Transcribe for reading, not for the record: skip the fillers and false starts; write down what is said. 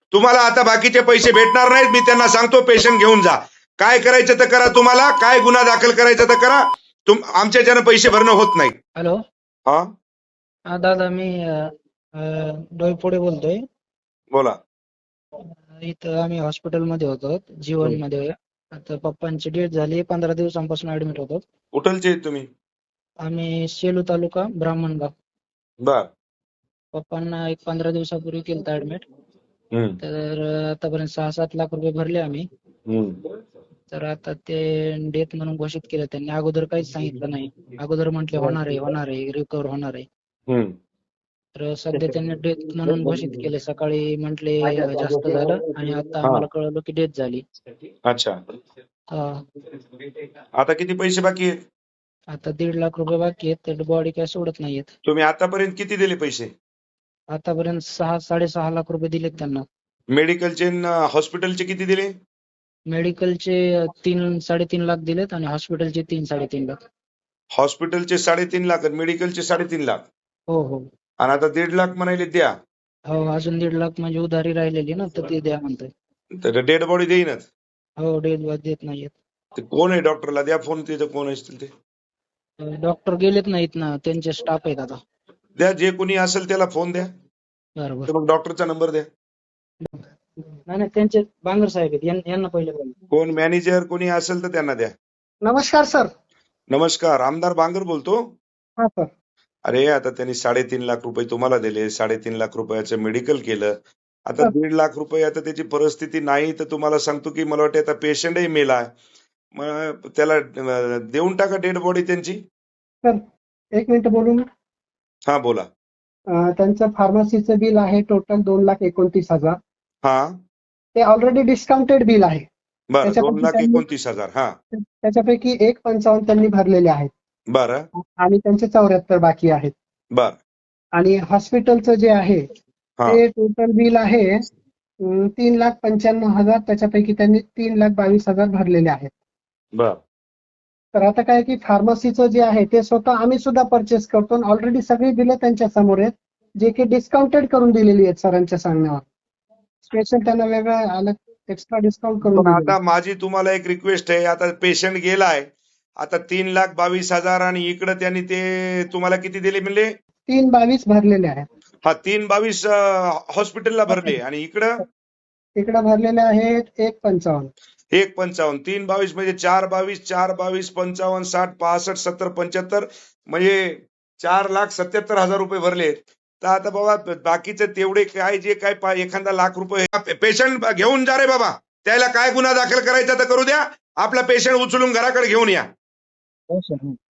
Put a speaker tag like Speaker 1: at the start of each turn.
Speaker 1: तुम्हाला आता बाकीचे पैसे भेटणार नाहीत. मी त्यांना सांगतो पेशंट घेऊन जा. काय करायचं तर करा. तुम्हाला काय गुन्हा दाखल करायचा तर करा. आमच्याच्यानं पैसे भरणं होत नाही.
Speaker 2: हॅलो.
Speaker 1: हा
Speaker 2: हा दादा, मी डोईफोडे बोलतोय.
Speaker 1: बोला.
Speaker 2: इथं आम्ही हॉस्पिटलमध्ये होतो, जीवनमध्ये. आता पप्पांची डेथ झाली, 15 दिवसांपासून ऍडमिट होतो.
Speaker 1: कुठलचे आहेत तुम्ही?
Speaker 2: आम्ही सेलू तालुका, ब्राह्मणगाव.
Speaker 1: बर.
Speaker 2: पप्पांना एक 15 दिवसापूर्वी केलं ऍडमिट.
Speaker 1: हम्म.
Speaker 2: तर आतापर्यंत 6-7 लाख रुपये भरले आम्ही. तर आता ते डेथ म्हणून घोषित केलं त्यांनी. अगोदर काहीच सांगितलं नाही. अगोदर म्हटले होणार आहे, रिकव्हर होणार आहे.
Speaker 1: हम्म.
Speaker 2: तर सध्या त्यांनी डेथ म्हणून घोषित केले. सकाळी म्हटले जास्त झालं आणि आता
Speaker 1: हा.
Speaker 2: आम्हाला कळलं की डेथ झाली.
Speaker 1: अच्छा.
Speaker 2: हा.
Speaker 1: आता किती पैसे बाकी आहेत?
Speaker 2: आता 1.5 लाख रुपये बाकी आहेत. तर बॉडी काय सोडत नाहीयेत.
Speaker 1: तुम्ही आतापर्यंत किती दिले पैसे?
Speaker 2: आतापर्यंत 6-6.5 लाख रुपये दिलेत त्यांना.
Speaker 1: मेडिकलचे हॉस्पिटलचे किती दिले?
Speaker 2: मेडिकलचे 3-3.5 लाख दिलेत आणि हॉस्पिटलचे 3-3.5 लाख.
Speaker 1: हॉस्पिटलचे 3.5 लाख आणि मेडिकलचे 3.5 लाख.
Speaker 2: हो हो
Speaker 1: आणि आता 1.5 लाख म्हणाले द्या.
Speaker 2: हो. अजून 1.5 लाख म्हणजे उधारी राहिलेली ना, तर ते द्या म्हणतोय.
Speaker 1: तर डेड बॉडी देईनच.
Speaker 2: हो, डेथ देत नाहीयेत.
Speaker 1: ते कोण आहे? डॉक्टरला द्या फोन. तिथं कोण असतील ते
Speaker 2: डॉक्टर गेलेत नाहीत ना, त्यांचे स्टाफ आहेत आता.
Speaker 1: द्या. जे कोणी असेल त्याला फोन द्या.
Speaker 2: बरोबर.
Speaker 1: तर मग डॉक्टरचा नंबर द्या.
Speaker 2: नाही, त्यांचे बांगर साहेब आहेत. यांना पहिले बोला.
Speaker 1: कोण मॅनेजर कोणी असेल तर त्यांना द्या.
Speaker 2: नमस्कार सर.
Speaker 1: नमस्कार. आमदार बांगर बोलतो.
Speaker 2: हा सर.
Speaker 1: अरे आता त्यांनी 3.5 लाख रुपये तुम्हाला दिले. 3.5 लाख रुपयाचं मेडिकल केलं. आता
Speaker 2: सर.
Speaker 1: 1.5 लाख रुपये. आता त्याची परिस्थिती नाही तर तुम्हाला सांगतो की मला वाटतं आता पेशंटही मेला. मग त्याला देऊन टाका डेड बॉडी त्यांची.
Speaker 2: सर, 1 मिनिट बोलून.
Speaker 1: हा बोला.
Speaker 2: त्यांचं फार्मसीचं बिल आहे टोटल 2,29,000.
Speaker 1: हा.
Speaker 2: ते ऑलरेडी डिस्काउंटेड बिल आहे.
Speaker 1: बरं.
Speaker 2: त्याच्यापैकी
Speaker 1: 2,29,000. हा.
Speaker 2: त्याच्यापैकी 1,55 त्यांनी भरलेले आहेत
Speaker 1: बरं.
Speaker 2: आणि त्यांचे 74 बाकी आहेत.
Speaker 1: बर.
Speaker 2: आणि हॉस्पिटलचं जे आहे
Speaker 1: हा.
Speaker 2: ते टोटल बिल आहे 3,95,000. त्याच्यापैकी त्यांनी 3,22,000 भरलेले आहेत.
Speaker 1: बर.
Speaker 2: तर आता काय की फार्मसीचं जे आहे ते स्वतः आम्ही सुद्धा परचेस करतो. ऑलरेडी सगळी बिलं त्यांच्या समोर आहेत, जे की डिस्काउंटेड करून दिलेली आहेत सरांच्या सांगण्यावर. स्पेशल त्यांना वेगळं अलग एक्स्ट्रा डिस्काउंट करून
Speaker 1: पण
Speaker 2: दिलेलं
Speaker 1: आता माझी तुम्हाला एक रिक्वेस्ट आहे. आता पेशंट गेलाय. आता 3,22,000 आणि इकडं त्यांनी ते तुम्हाला किती दिले म्हणले?
Speaker 2: 3,22 भरलेले आहेत.
Speaker 1: हा. 3,22 हॉस्पिटलला भरले आणि इकडं
Speaker 2: भरलेले आहेत 1,55.
Speaker 1: 1,55. 3,22 म्हणजे 4,22, 4,22, 55, 60, 65, 70, 75 म्हणजे 4,77,000 रुपये भरले. तर आता बाबा बाकीचे तेवढे काय जे काय एखादा लाख रुपये पेशंट घेऊन जा रे बाबा. त्याला काय गुन्हा दाखल करायचा तर करू द्या. आपला पेशंट उचलून घराकडे घेऊन या.
Speaker 2: हो सर.